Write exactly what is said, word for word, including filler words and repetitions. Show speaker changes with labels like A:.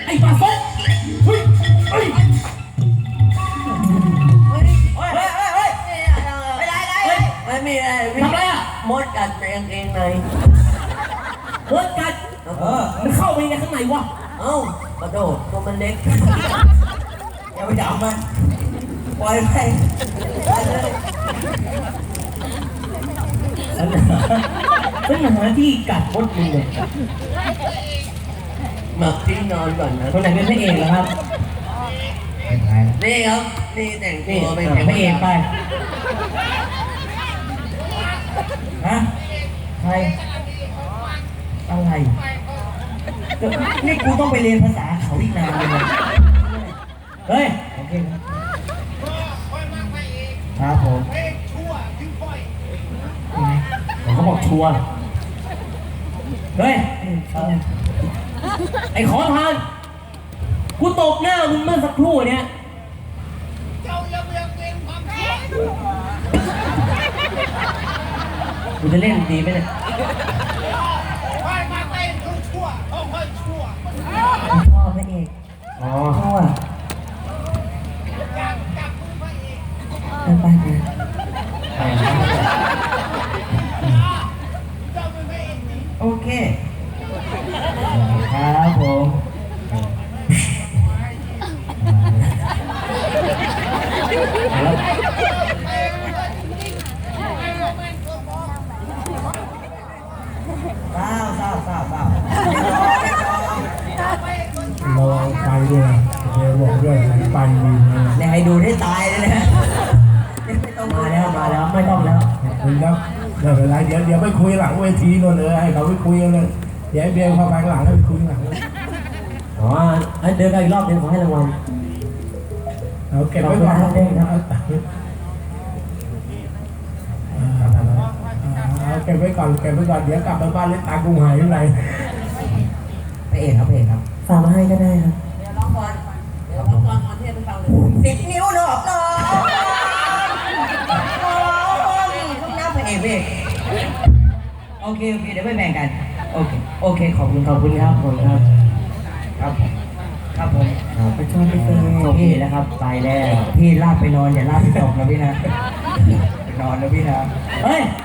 A: ไอ้ปลาส้มเฮ้ยเฮ้ย
B: เฮ้ยเฮ้ยเฮ้ยเฮ้ยไม่ได้ไม่ได้ไม่มีอะไร
A: ทำอะไรอ่ะ
B: มดกัดในกางเกงใน
A: มดกัดเออมันเข้าไปในข้างในวะ
B: เอ้ากระโดดตัวมันเล็กอย่าไปจับมันปล่อยไปไปเลย
A: ฉันหาที่กัดมดมึงเลย
B: หมักที่นอนก่อนนะ
A: คนไหนเป็นพระเอกเหรอครับ
B: นี่ครับนี่แต่งตัวเป็น
A: พระเอกไปฮะใครอะไรนี่กูต้องไปเรียนภาษาเขาอีกนานเลยนะเฮ้ยโอเคครับผมผมก็บอกชัวร์เฮ้ยไอ้ขอทานกูตบหน้ามึงเมื่อสักครู่เนี้ยกูจะเล่นดีไหมเนี่ย
B: พ่อพระเอก
A: อ๋อ
B: พ่อไปไปโอเค
A: ครับผม
B: เศร้าเศร้าเศร้าเศร้า
C: เราไปด้วยเดี๋ยวบอกด้วยไปดีนะ
B: เนี่ยให้ดูได้ตายเลยนะ
A: มาแล้วมาแล้วไม่ต้องแล้ว
C: คุณครับเดี๋ยวเวลาเดี๋ยวเดี๋ยวไปคุยหลังเวทีนู่นเลยให้เขาไปคุยกันเลยเดี๋ยวเบียร์เข้าไปหลังแล้วไปคุยหลัง
A: อ๋อเดินกันอีกรอบเดินขอให้รางวัล
C: เอาเก็บไว้ก่อนเอาเก็บไว้ก่อนเก็บไว้ก่อนเดี๋ยวกลับไปบ้านเล่นตากุ้งหายอยู่ไหน
B: พระเอกครับพระเอกครับ
A: ฝากมาให้ก็ได้ครับ
B: เดี๋ยวร้องก่อนเดี๋ยวร้องก่อนก่อนที่จะไปฟังเลยสิบนิ้วหนอกน้องทุกน้ำพระเอกพระเอกโอเคโอเคเดี๋ยวไปแบ่งกันโอเคโอเคขอบคุณ
A: ขอบคุณครับขอบคุณครับ
B: ครับครับผม
A: ไปชอบพี่เต้โอเคแล้วครับไปแล้วพี่ลากไปนอนอย่าลากไปตกนะพี่นะ
B: ไปนอนนะพี่นะ
A: เฮ้ย